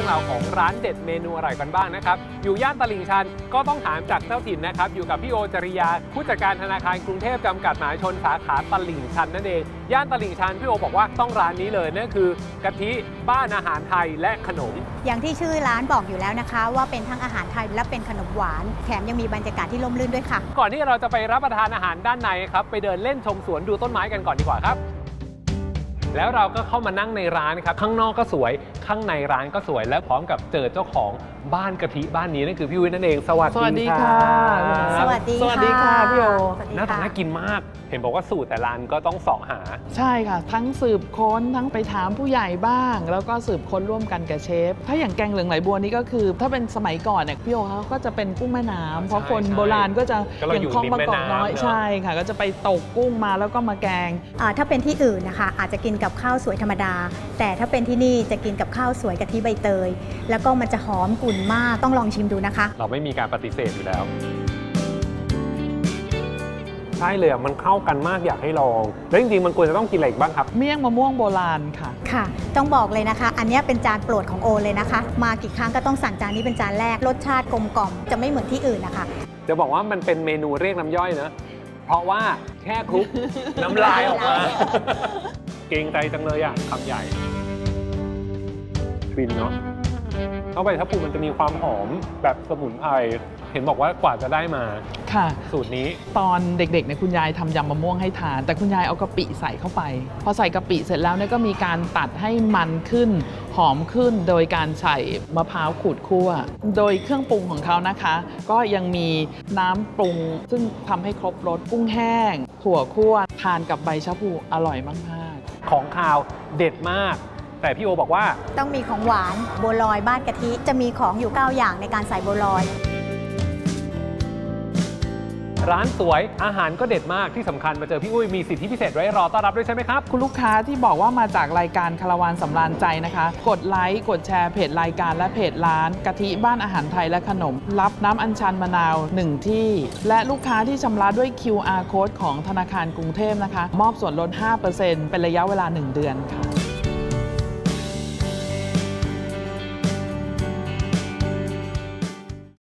รื่องราวของร้านเด็ดเมนูอร่อยกันบ้างนะครับอยู่ย่านตลิ่งชันก็ต้องถามจากเจ้าถิ่นนะครับอยู่กับพี่โอจริยาผู้จัดการธนาคารกรุงเทพจำกัดมหาชนสาขาตลิ่งชันนั่นเองย่านตลิ่งชันพี่โอบอกว่าต้องร้านนี้เลยนั่นคือกะทิบ้านอาหารไทยและขนมอย่างที่ชื่อร้านบอกอยู่แล้วนะคะว่าเป็นทั้งอาหารไทยและเป็นขนมหวานแถมยังมีบรรยากาศที่ร่มรื่นด้วยค่ะก่อนที่เราจะไปรับประทานอาหารด้านในครับไปเดินเล่นชมสวนดูต้นไม้กันก่อนดีกว่าครับแล้วเราก็เข้ามานั่งในร้านครับข้างนอกก็สวยข้างในร้านก็สวยและพร้อมกับเจอเจ้าของบ้านกะทิบ้านนี้นั่นคือพี่วิทย์นั่นเองสวัสดีค่ะสวัสดีค่ะพี่โอหน้าตาน่ากินมากเห็นบอกว่าสูตรแต่ร้านก็ต้องเสาะหาใช่ค่ะทั้งสืบค้นทั้งไปถามผู้ใหญ่บ้างแล้วก็สืบค้นร่วมกันกับเชฟถ้าอย่างแกงเหลืองไหลบัวนี่ก็คือถ้าเป็นสมัยก่อนเนี่ยพี่โอเขาก็จะเป็นกุ้งแม่น้ำเพราะคนโบราณก็จะอย่างคลองบางกอกน้อยใช่ค่ะก็จะไปตกกุ้งมาแล้วก็มาแกงถ้าเป็นที่อื่นนะคะอาจจะกินกับข้าวสวยธรรมดาแต่ถ้าเป็นที่นี่จะกินกับข้าวสวยกะทิใบเตยแล้วก็มันจะหอมกลุ่นมากต้องลองชิมดูนะคะเราไม่มีการปฏิเสธอยู่แล้วใช่เลยมันเข้ากันมากอยากให้ลองแล้วจริงๆมันควรจะต้องกินอะไรอีกบ้างครับเมี่ยงมะม่วงโบราณค่ะค่ะต้องบอกเลยนะคะอันนี้เป็นจานโปรดของโอเลยนะคะมากี่ครั้งก็ต้องสั่งจานนี้เป็นจานแรกรสชาติกลมกล่อมจะไม่เหมือนที่อื่นนะคะจะบอกว่ามันเป็นเมนูเรียกน้ำย่อยนะเพราะว่าแค่คลุก น้ำลายออกมาเกรงใจจังเลยอ่ะคำใหญ่ฟินเนาะเข้าไปถ้าปูมันจะมีความหอมแบบสมุนไพรเห็นบอกว่ากว่าจะได้มาค่ะสูตรนี้ตอนเด็กๆเนี่ยคุณยายทำยำมะม่วงให้ทานแต่คุณยายเอากะปิใส่เข้าไปพอใส่กะปิเสร็จแล้วเนี่ยก็มีการตัดให้มันขึ้นหอมขึ้นโดยการใส่มะพร้าวขูดคั่วโดยเครื่องปรุงของเขานะคะก็ยังมีน้ำปรุงซึ่งทำให้ครบรสกุ้งแห้งถั่วคั่วทานกับใบชะพูอร่อยมากๆของคาวเด็ดมากแต่พี่โอบอกว่าต้องมีของหวานบัวลอยบ้านกะทิจะมีของอยู่9อย่างในการใส่บัวลอยร้านสวยอาหารก็เด็ดมากที่สำคัญมาเจอพี่อุ้ยมีสิทธิพิเศษไว้รอต้อนรับด้วยใช่ไหมครับคุณลูกค้าที่บอกว่ามาจากรายการคาราวานสำราญใจนะคะกดไลค์กดแชร์เพจรายการและเพจร้านกะทิบ้านอาหารไทยและขนมรับน้ำอัญชันมะนาว1ที่และลูกค้าที่ชำระด้วย QR Code ของธนาคารกรุงเทพนะคะมอบส่วนลด 5% เป็นระยะเวลา1 เดือนค่ะ